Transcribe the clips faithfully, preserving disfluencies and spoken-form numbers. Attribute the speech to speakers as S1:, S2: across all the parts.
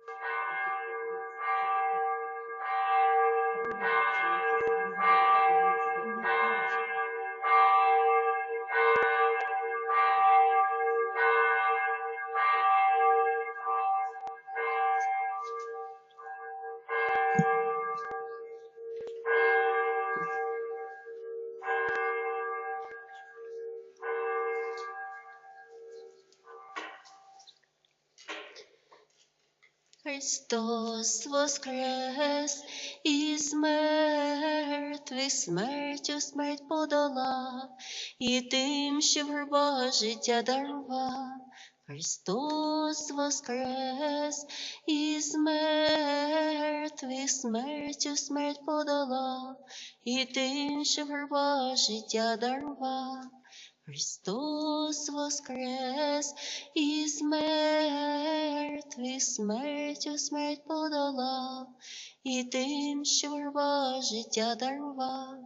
S1: Христос воскрес із мертвих, смертю смерть подолав, і тим, що в гробах життя дарував. Христос воскрес із мертвих, смертю смерть подолав, і тим, що в гробах життя дарував. Христос воскрес із мертвих, смертю смерть подолав, і тим, що в гробах життя дарував.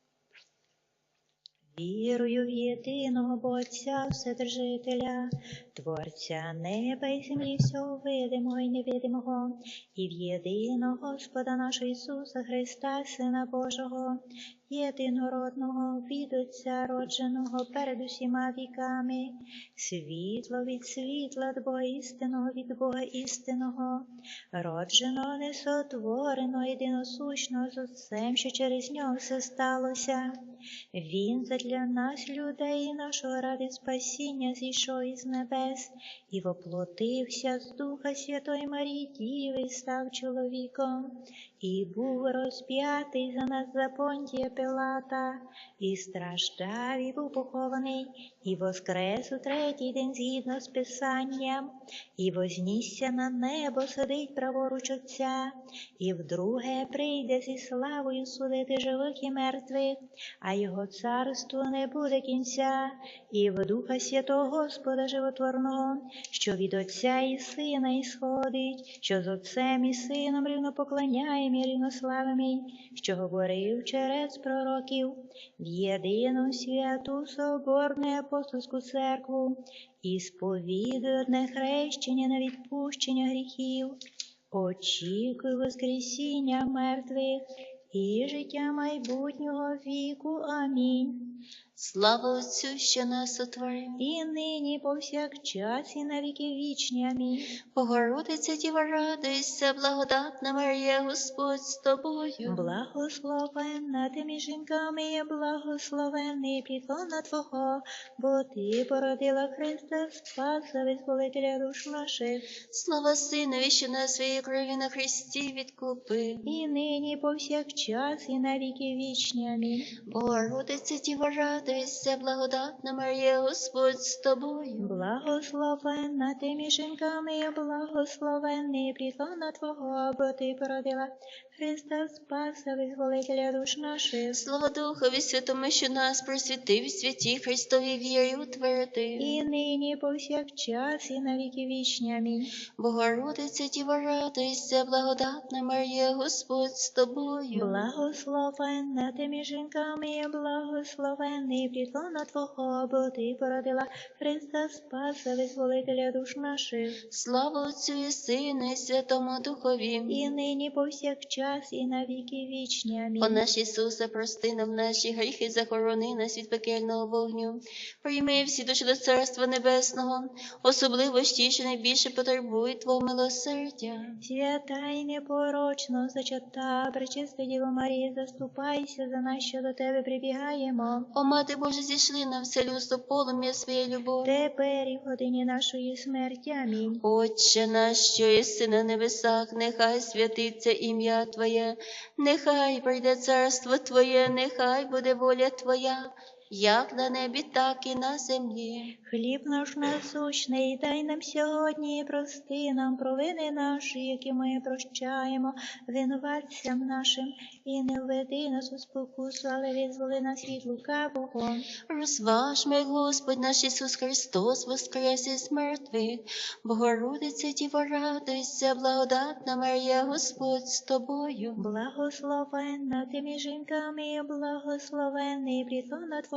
S2: Вірую в єдиного Бога Отця Вседержителя, Творця неба і землі, всього видимого і невидимого, і в єдиного Господа нашого Ісуса Христа, Сина Божого, єдинородного, від Отця родженого перед усіма віками, світло від світла, від Бога істинного, від Бога істинного, родженого, несотвореного, єдиносущного з Отцем, що через нього все сталося. Він задля нас, людей, нашого ради спасіння, зійшов із небес і воплотився з Духа Святої Марії Діви, став чоловіком, і був розп'ятий за нас за Понтія Пилата, і страждав, і був похований, і воскрес у третій день згідно з Писанням, і вознісся на небо, сидить праворуч Отця, і вдруге прийде зі славою судити живих і мертвих, а його царство не буде кінця, і в Духа Святого Господа Животворного, що від Отця і Сина ісходить, що з Отцем і Сином рівнопоклоняєм і рівнославимий, що говорив через пророків, в єдину святу соборну апостольську церкву, і сповідує одне хрещення на відпущення гріхів, очікую воскресіння мертвих і життя майбутнього віку. Амінь.
S1: Слава Отцю, що нас сотворив,
S2: І нині повсякчас, і на віки вічні. Амінь.
S1: Богородиця Діва, радуйся, благодатна Марія, Господь з тобою.
S2: Благословенна ти між жінками, і благословенний плітлона Твого, бо ти породила Христа Спаса, визволителя душ наших.
S1: Слава Синові, що на своїй крові на Христі відкупив.
S2: І нині повсякчас, і на віки вічні. Амінь.
S1: Богородиця Діва, радуйся, благодатна Марія, Господь з тобою.
S2: Благословенна ти між жінками, і благословенний плітлона Твого, бо ти породила Христа Спаса, визволителя душ наших.
S1: Слава Духові Святому, що нас просвітив, святі Христові вірі утвердив.
S2: І нині повсякчас, і на віки вічні. Амінь.
S1: Богородиця Діва, радуйся, благодатна Марія, Господь з тобою.
S2: Благословенна ти між жінками, і благословенний плітлона Твого, бо ти породила Христа Спаса, визволителя душ наших.
S1: Слава Отцю і Сину, і Святому Духові.
S2: І нині повсякчас, і на віки вічні. Амінь.
S1: О наш Ісусе, прости нам наші гріхи, захорони нас від пекельного вогню. Прийми всі душі до Царства Небесного, особливо ж ті, що найбільше потребують Твого милосердя.
S2: Свята й непорочно зачата, пречиста Діво Марія, заступайся за нас, що до Тебе прибігаємо.
S1: О, Мати Божа, зійшли на все людство полум'я своєї любові.
S2: Тепер і в годині нашої смерті. Амінь.
S1: Отче наш, що єси на небесах, нехай святиться ім'я Твоє, нехай прийде царство Твоє, нехай буде воля Твоя, як на небі, так і на землі.
S2: Хліб наш насущний дай нам сьогодні, і прости нам провини наші, які ми прощаємо винуватцям нашим, і не введи нас у спокусу, але визволи нас від лукавого.
S1: Розважмо, як Господь наш Ісус Христос воскрес із мертвих. Богородиця Діва, радуйся, благодатна Марія, Господь з тобою.
S2: Благословенна ти між жінками, і благословенний плітлона Твого,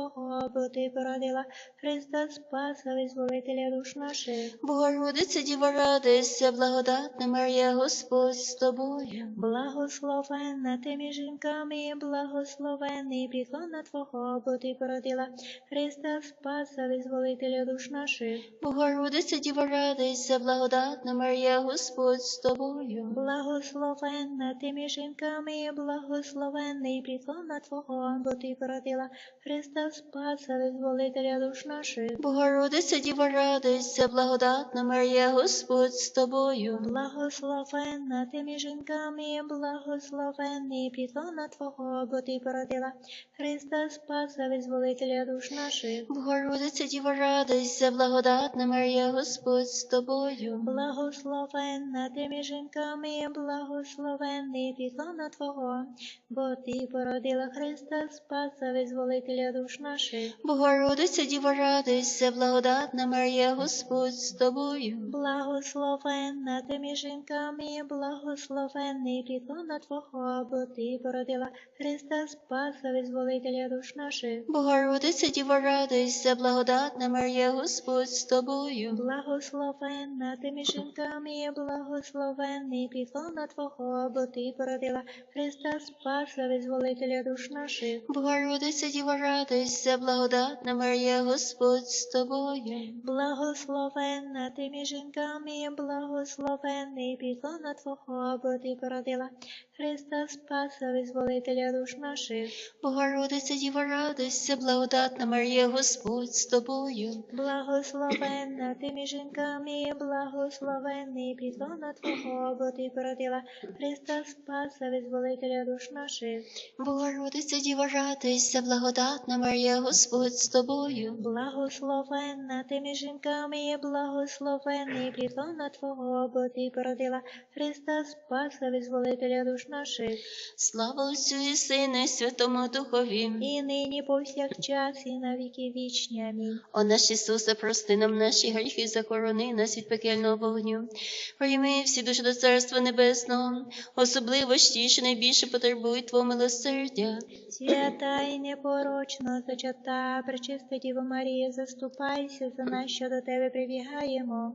S2: Твого, бо Ти породила Христа Спаса, визволителя душ наших.
S1: Богородице, Діва, радуйся, благодатна Марія, Господь з тобою.
S2: Благословенна ти між жінками, і благословенний підлона Твого, бо Ти породила Христа Спаса, визволителя душ наших.
S1: Богородице, Діва, радуйся, благодатна Марія, Господь з тобою.
S2: Благословенна ти між жінками, і благословенний підлона Твого, бо Ти породила Христа Спаса, визволителя душ наших.
S1: Богородице, Діва, радуйся, благодатна Марія, Господь з тобою.
S2: Благословенна ти між жінками, і благословенний підлона Твого, бо Ти породила Христа Спаса, визволителя душ наших.
S1: Богородице, Діва, радуйся, благодатна Марія, Господь з тобою.
S2: Благословенна ти між жінками, і благословенний підлона Твого, бо Ти породила Христа Спаса, визволителя душ наших.
S1: Богородице, Діва, радуйся, благодатна Марія, Господь з тобою.
S2: Благословенна ти між жінками, і благословенний підлона Твого, бо Ти породила Христа Спаса, визволителя душ наших.
S1: Богородице, Діва, радуйся, благодатна Марія, Господь з тобою.
S2: Благословенна ти між жінками, і благословенний підлона Твого, бо Ти породила Христа Спаса, визволителя душ наших.
S1: Богородице, Діва, радуйся, благодатна Марія, Господь з тобою.
S2: Благословенна ти між жінками, і благословенний підлона Твого, бо Ти породила Христа Спаса, визволителя душ наших.
S1: Богородице, Діва, радуйся, благодатна Марія, Господь з тобою.
S2: Благословенна ти між жінками, і благословенний підлона Твого, бо Ти породила Христа Спаса, визволителя душ наших.
S1: Богородице, Діва, радуйся, благодатна Марія, Господь з тобою.
S2: Благословенна ти між жінками, і благословенний підлона Твого, бо Ти породила Христа Спаса, визволителя душ наших.
S1: Слава Отцю і Сину, і Святому Духові.
S2: І нині повсякчас, і на віки вічні. Амінь.
S1: О наш Ісусе, прости нам наші гріхи, захорони нас від пекельного вогню. Прийми всі душі до Царства Небесного, особливо ті, що найбільше потребують Твого милосердя.
S2: Свята і непорочно зачата, пречиста Діво Марія, заступайся за нас, що до Тебе прибігаємо.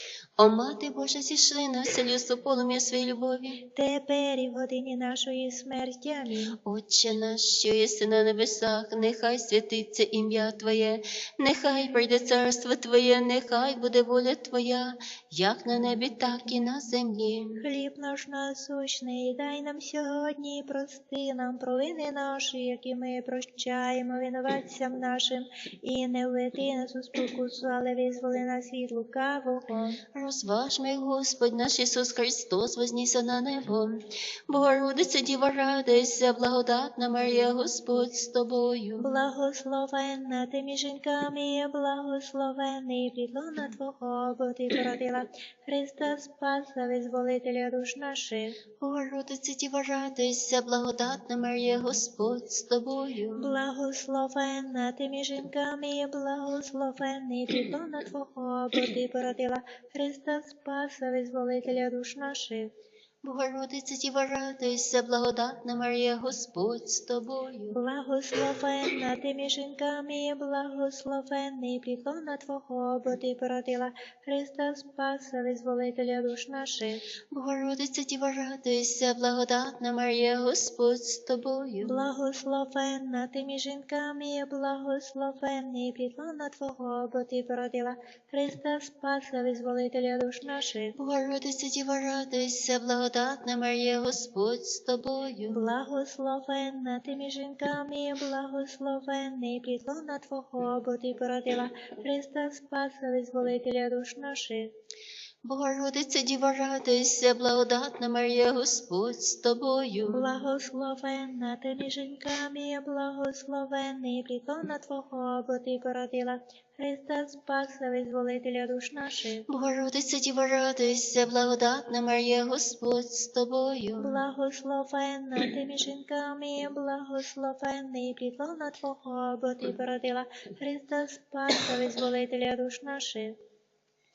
S1: О Мати Божа, зійшли на все людство полум'я своєї любові.
S2: Тепер і в годині нашої смерті. Амінь.
S1: Отче наш, що єси на небесах, нехай святиться ім'я Твоє, нехай прийде царство Твоє, нехай буде воля Твоя, як на небі, так і на землі.
S2: Хліб наш насущний дай нам сьогодні, і прости нам провини наші, які ми прощаємо винуватцям нашим, і не введи нас у спокусу, але визволи нас від лукавого.
S1: Розважми, Господь наш Ісус Христос, вознісся на небо. Богородице, Діва, радуйся, благодатна Марія, Господь з тобою.
S2: Благословенна ти між жінками, і благословенний підлона Твого, бо Ти породила Христа Спаса, визволителя душ наших.
S1: Богородице, Діва, радуйся, благодатна Марія, Господь з тобою.
S2: Благословенна ти між жінками, і благословенний підлона Твого, бо Ти породила Христа Спаса, визволителя душ наших.
S1: Богородице, Діва, радуйся, благодатна Марія, Господь з тобою.
S2: Благословенна ти між жінками, і благословенний підлона Твого, бо Ти породила Христа Спаса, визволителя душ наших.
S1: Богородице, Діва, радуйся, благодатна Марія, Господь з тобою.
S2: Благословенна ти між жінками, і благословенний підлона Твого, бо Ти породила Христа Спаса, визволителя душ наших.
S1: Богородице, Діва, радуйся, благодатна Марія, Господь з тобою.
S2: Благословенна ти між жінками, і благословенний підлона Твого, бо Ти породила Христа Спаса, визволителя душ наших.
S1: Богородице, Діва, радуйся, благодатна Марія, Господь з тобою.
S2: Благословенна ти між жінками, і благословенний підлона Твого, бо Ти породила Христа Спаса, визволителя душ наших.
S1: Богородице, Діва, радуйся, благодатна Марія, Господь з тобою.
S2: Благословенна ти між жінками, і благословенний підлона Твого, бо Ти породила Христа Спаса, визволителя душ наших.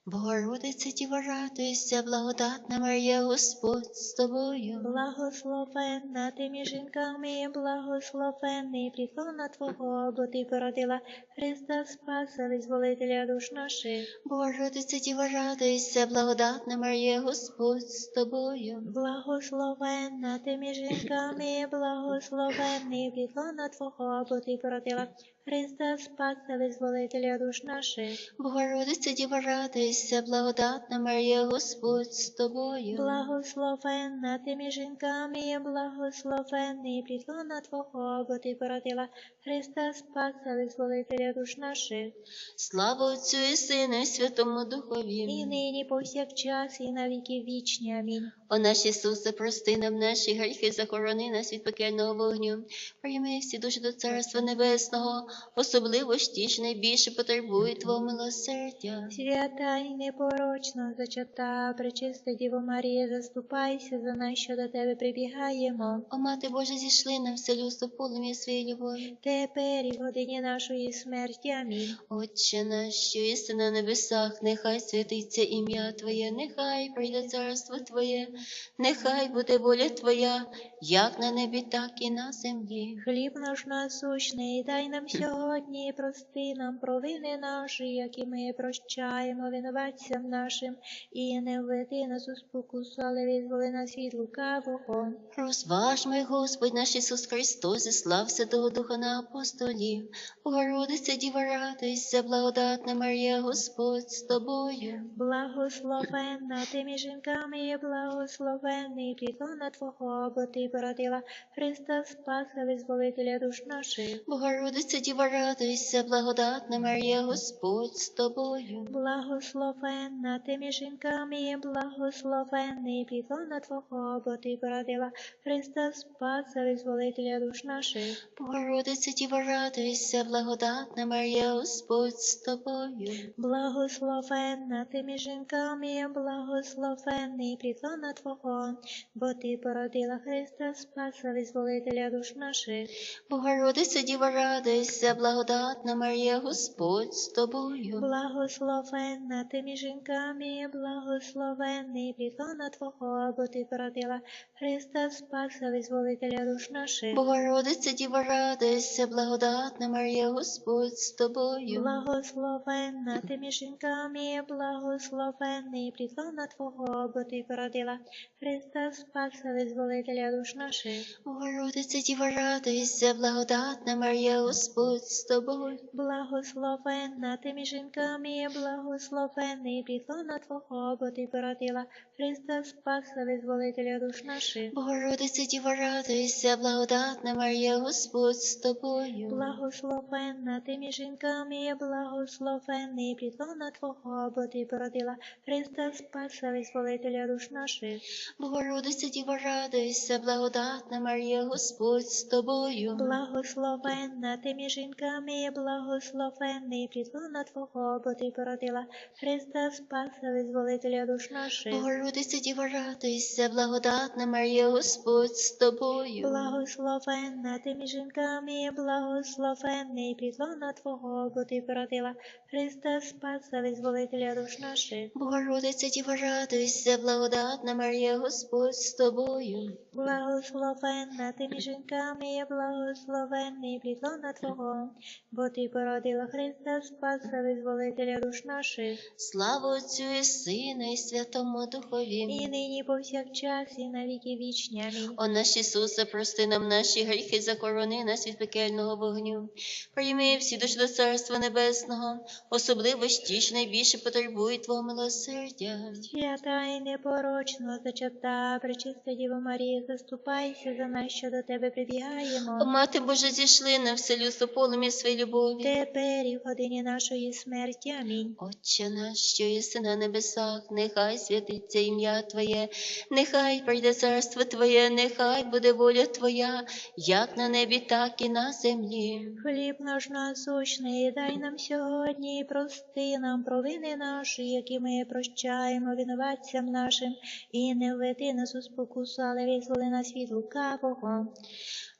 S1: Богородице, Діво, радуйся, благодатна Марія, Господь з тобою.
S2: Благословенна ти між жінками, і благословенний плітлона Твого, бо ти породила Христа Спаса, визволителя душ наших.
S1: Богородице, Діво, радуйся, благодатна Марія, Господь з тобою.
S2: Благословенна ти між жінками, і благословенний плітлона Твого, бо ти породила Христа Спаса, визволителя душ наших.
S1: Богородице, Діво, радуйся, благодатна Марія, Господь з тобою.
S2: Благословенна ти між жінками, і благословенний плітлона Твого, бо ти породила Христа Спаса, визволителя душ наших.
S1: Слава Отцю і Сину, і Святому Духові.
S2: І нині повсякчас, і на віки вічні. Амінь.
S1: О наш Ісусе, прости нам наші гріхи, захорони нас від пекельного вогню. Прийми всі душі до Царства Небесного, особливо ж ті, що найбільше потребують Твого милосердя.
S2: Свята і непорочно зачата, пречиста Діво Марія, заступайся за нас, що до Тебе прибігаємо.
S1: О Мати Божа, зійшли нам все людство полум'я своєї любові.
S2: Тепер і в годині нашої смерті. Амінь.
S1: Отче наш, що єси на небесах, нехай святиться ім'я Твоє, нехай прийде царство Твоє, нехай буде воля Твоя, як на небі, так і на землі.
S2: Хліб наш насущний дай нам сьогодні, і прости нам провини наші, які ми прощаємо винуватцям нашим, і не введи нас у спокусу, але визволи нас від лукавого.
S1: Розважмо, Господь наш Ісус Христос, зіслав Святого Духа на апостолів. Богородице, Діво, радуйся, благодатна Марія, Господь з тобою.
S2: Благословенна ти між жінками, і благословенний плітлона Твого, бо ти породила Христа Спаса, визволителя душ наших.
S1: Богородице, Діво, радуйся, благодатна Марія, Господь з тобою.
S2: Благословенна ти між жінками, і благословенний плітлона Твого, бо ти породила Христа Спаса, визволителя душ наших.
S1: Богородице, Діво, радуйся, благодатна Марія, Господь з тобою.
S2: Благословенна ти між жінками, і благословенний плітлона Твого, бо ти породила Христа Спаса, визволителя душ наших.
S1: Богородице, Діво, радуйся, благодатна Марія, Господь з тобою.
S2: Благословенна ти між жінками, і благословенний плітлона Твого, бо ти породила Христа Спаса, визволителя душ наших.
S1: Богородице, Діво, радуйся, благодатна Марія, Господь з тобою.
S2: Благословенна ти між жінками, і благословенний плітлона Твого, бо ти породила Христа Спаса, визволителя душ наших.
S1: Богородице, Діво, радуйся, благодатна Марія, Господь з тобою.
S2: Благословенна ти між жінками, і благословенний плітлона Твого, бо ти породила Христа Спаса, визволителя душ наших.
S1: Богородице, Діво, радуйся, благодатна Марія, Господь з тобою.
S2: Благословенна ти між жінками, і благословенний плітлона Твого, бо ти породила Христа Спаса, визволителя душ наших.
S1: Богородице, Діво, радуйся, благодатна Марія, Господь з тобою.
S2: Благословенна ти між жінками, і благословенний плітлона Твого, бо ти породила Христа Спаса, визволителя душ наших.
S1: Богородице, Діво, радуйся, благодатна Марія, Господь з тобою.
S2: Благословенна ти між жінками, і благословенний плітлона Твого, бо ти породила Христа Спаса, визволителя душ наших.
S1: Богородице, Діво, радуйся, благодатна Марія, Господь з тобою.
S2: Благословенна ти між жінками, і благословенний плітлона Твого, бо ти породила Христа Спаса, визволителя душ наших.
S1: Слава Отцю і Сину, і Святому Духові.
S2: І нині повсякчас, і на віки вічні. Амінь.
S1: О наш Ісусе, прости нам наші гріхи, захорони нас від пекельного вогню. Прийми всі душі до Царства Небесного, особливо ж ті, що найбільше потребують Твого милосердя.
S2: Свята і непорочно зачата, пречиста Діво Марія, заступайся за нас, що до Тебе
S1: О
S2: прибігаємо.
S1: Мати Божа, зійшли на все людство полум'я своєї любові.
S2: Тепер і в годині нашої смерті. Амінь.
S1: Отче наш, що єси на небесах, нехай святиться ім'я Твоє, нехай прийде царство Твоє, нехай буде воля Твоя, як на небі, так і на землі.
S2: Хліб наш насущний дай нам сьогодні, і прости нам провини наші, які ми прощаємо винуватцям нашим, і не введи нас у спокусу, але визволи нас від лукавого.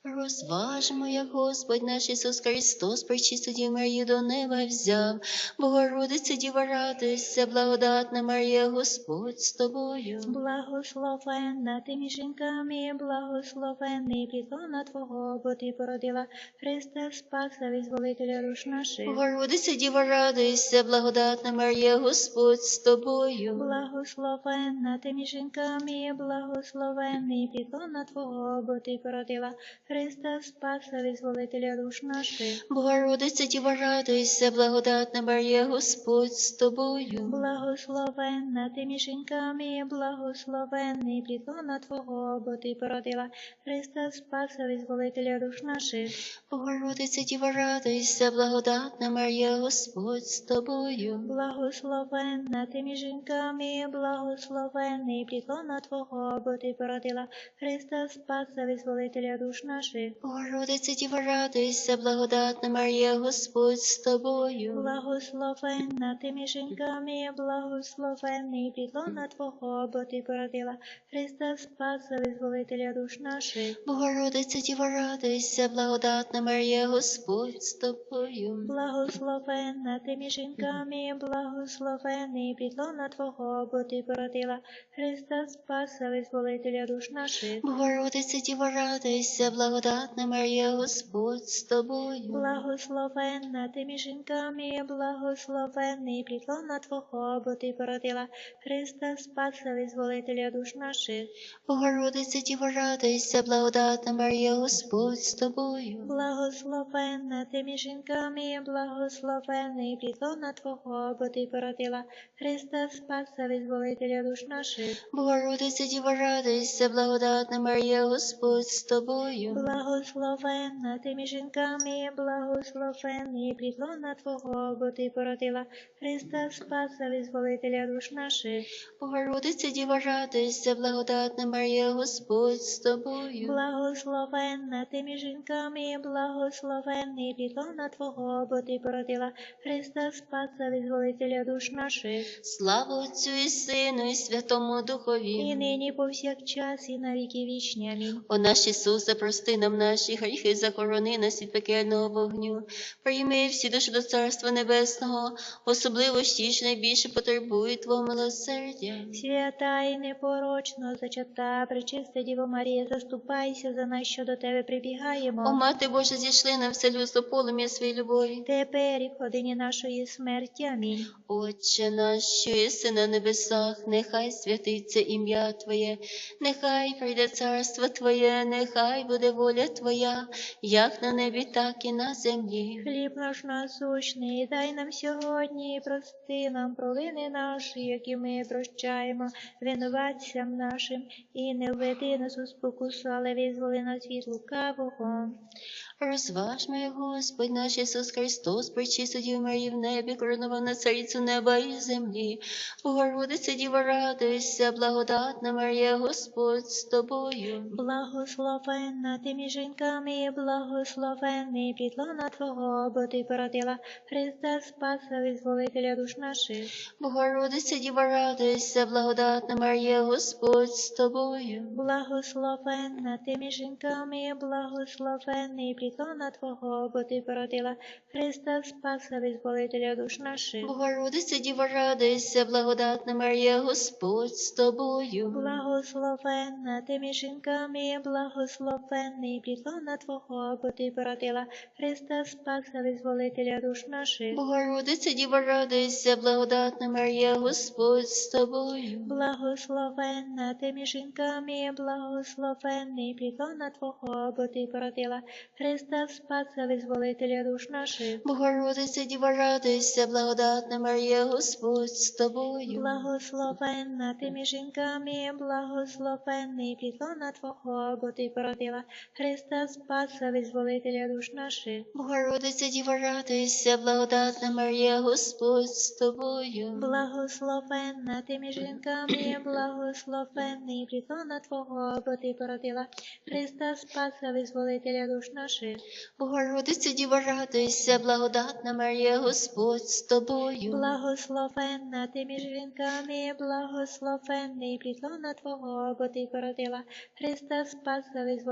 S1: Розважмо, як Господь наш Ісус Христос, пречисту Діву Марію до неба взяв. Богородице, Діва, радуйся, благодатна Марія, Господь з тобою.
S2: Благословенна ти між жінками, благословенний плітлона Твого, бо Ти породила Христа Спаса, визволителя душ наших.
S1: Богородице, Діва, радуйся, благодатна Марія, Господь з тобою.
S2: Благословенна ти між жінками, благословенний плітлона Твого, бо Ти породила Христа Спаса, визволителя душ наших.
S1: Богородице, Діва, радуйся, благодатна Марія, Господь з тобою.
S2: Благословенна ти між жінками, благословенний плітлона Твого, бо Ти породила Христа Спаса, визволителя душ наших.
S1: Богородице, Діва, радуйся, благодатна Марія, Господь з тобою.
S2: Благословенна ти між жінками, благословенний плітлона Твого, бо Ти породила Христа Спаса, визволителя душ наших.
S1: Богородице, Діва, радуйся, благодатна Марія, Господь з тобою.
S2: Благословенна ти між жінками, благословенний плітлона Твого, бо Ти породила Христа Спаса, визволителя душ наших.
S1: Богородице, Діва, радуйся, благодатна Марія, Господь з тобою.
S2: Благословенна ти між жінками, благословенний плітлона Твого, бо Ти породила Христа Спаса, визволителя душ наших.
S1: Богородице, Діва, радуйся, благодатна Марія, Господь з тобою.
S2: Благословенна ти між жінками, благословенний плітлона Твого, бо Ти породила Христа Спаса, визволителя душ наших.
S1: Богородице, Діва, радуйся, благодатна Марія, Господь з тобою.
S2: Благословенна ти між жінками, благословенний плітлона Твого, бо Ти породила Христа Спаса, визволителя душ наших.
S1: Богородице, Діва, радуйся, благодатна Марія, Господь з тобою.
S2: Благословенна ти між жінками, благословенний плітлона Твого, бо Ти породила Христа Спаса, визволителя душ наших.
S1: Богородице, Діва, радуйся, благодатна Марія, Господь з тобою.
S2: Благословенна ти між жінками, благословенний плітлона Твого, бо Ти породила Христа Спаса, визволителя душ наших.
S1: Слава Отцю і Сину, і Святому Духові.
S2: І нині повсякчас, і на віки вічні. Амінь.
S1: О наш Ісусе, прости нам наші гріхи, захорони нас від пекельного вогню. Прийми всі душі до Царства Небесного, особливо ж ті, що найбільше потребують Твого милосердя.
S2: Свята і непорочно зачата, пречиста Діво Марія, заступайся за нас, що до Тебе прибігаємо.
S1: О, Мати Божа, зійшли на все людство полум'я своєї любові.
S2: Тепер і в годині нашої смерті. Амінь.
S1: Отче наш, що єси на небесах, нехай святиться ім'я Твоє, нехай прийде царство Твоє, нехай буде воля Твоя, як на небі, так і на землі.
S2: Хліб наш насущний, дай нам сьогодні, і прости нам провини наші, які ми прощаємо винуватцям нашим, і не введи нас у спокусу, але визволи нас від лукавого.
S1: Розважмо, як Господь наш Ісус Христос, пречисту Діву Марію в небі, коронував на царицю неба і землі. Богородице, Діва, радуйся, благодатна Марія, Господь з тобою.
S2: Благословенна ти між жінками, благословенний плітлона Твого, бо Ти породила Христа Спаса, визволителя душ наших.
S1: Богородице, Діва, радуйся, благодатна Марія, Господь з тобою.
S2: Благословенна ти між жінками, благословенний плітлона Твого, бо Ти породила Христа Спаса, визволителя душ наших.
S1: Богородице, Діва, радуйся, благодатна Марія, Господь з тобою.
S2: Благословенна ти між жінками, благословенний плітлона Твого, бо Ти породила Христа Спаса, визволителя душ наших.
S1: Богородице, Діва, радуйся, благодатна Марія, Господь з тобою.
S2: Благословенна ти між жінками, благословенний плітлона Твого, бо Ти породила Христа Спаса, визволителя душ наших.
S1: Богородице, Діва, радуйся, благодатна Марія, Господь з тобою.
S2: Благословенна ти між жінками, благословенний плітлона Твого, бо Ти породила Христа Спаса, визволителя душ наших.
S1: Богородице, Діва, радуйся, благодатна Марія, Господь з тобою.
S2: Благословенна ти між жінками, благословенний плітлона Твого, бо Ти породила Христа Спаса, визволителя душ наших.
S1: Богородице, Діва, радуйся, благодатна Марія, Господь з тобою.
S2: Благословенна ти між жінками, благословенний плітлона Твого, бо Ти породила Христа Спаса, визволителя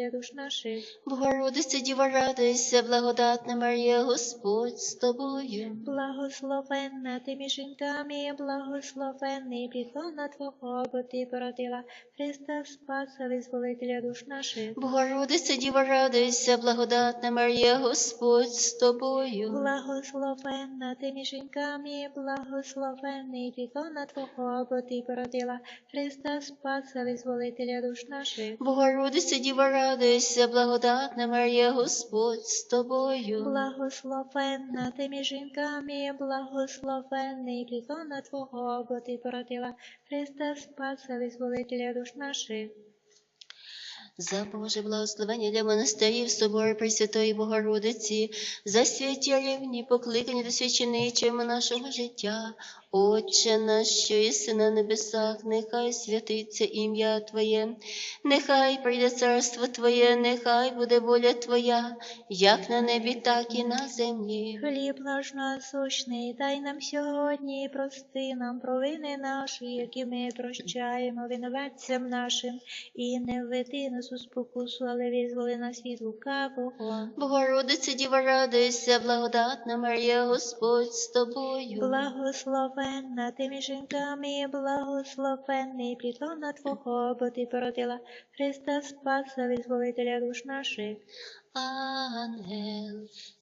S2: Визволителя душ наших.
S1: Богородице, Діва, радуйся, благодатна Марія, Господь з тобою.
S2: Благословенна ти між жінками, благословенний плітлона Твого, бо ти породила Христа Спаса, Визволителя душ наших.
S1: Богородице, Діва, радуйся, благодатна Марія, Господь з тобою.
S2: Благословенна ти між жінками, благословенний плітлона Твого, бо ти породила Христа Спаса, Визволителя душ наших.
S1: Богородице, Діва, радуйся, благодатна Марія, Господь з тобою.
S2: Благословенна ти між жінками, благословенний плітлона Твого, бо ти породила Христа Спаса, Визволителя душ наших.
S1: За Боже благословення для монастирів собору Пресвятої Богородиці, за святі рівні, покликані до священичого нашого життя. Отче наш, що єси на небесах, нехай святиться ім'я Твоє, нехай прийде царство Твоє, нехай буде воля Твоя, як на небі, так і на землі.
S2: Хліб наш насущний, дай нам сьогодні, і прости нам провини наші, які ми прощаємо винуватцям нашим, і не введи нас у спокусу, але визволи нас від лукавого.
S1: Богородице, Діва, радуйся, благодатна Марія, Господь з тобою.
S2: Благословенна ти між жінками, благословенний плітлона Твого, бо ти породила Христа Спаса, Визволителя душ наших.
S1: Ангел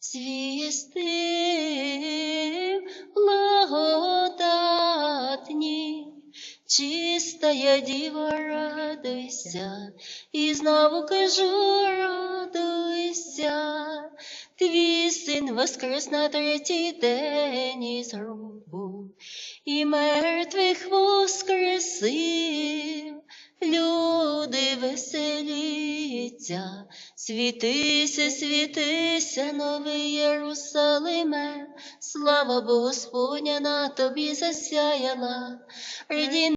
S1: звістив благодатні, чистая Діва, радуйся, і знову кажу, радуйся, твій син воскрес на третій день із гробу, і мертвих воскресив. Люди, веселіться, світися, світися, новий Єрусалиме, слава Богу Господня на тобі засяяла. Раді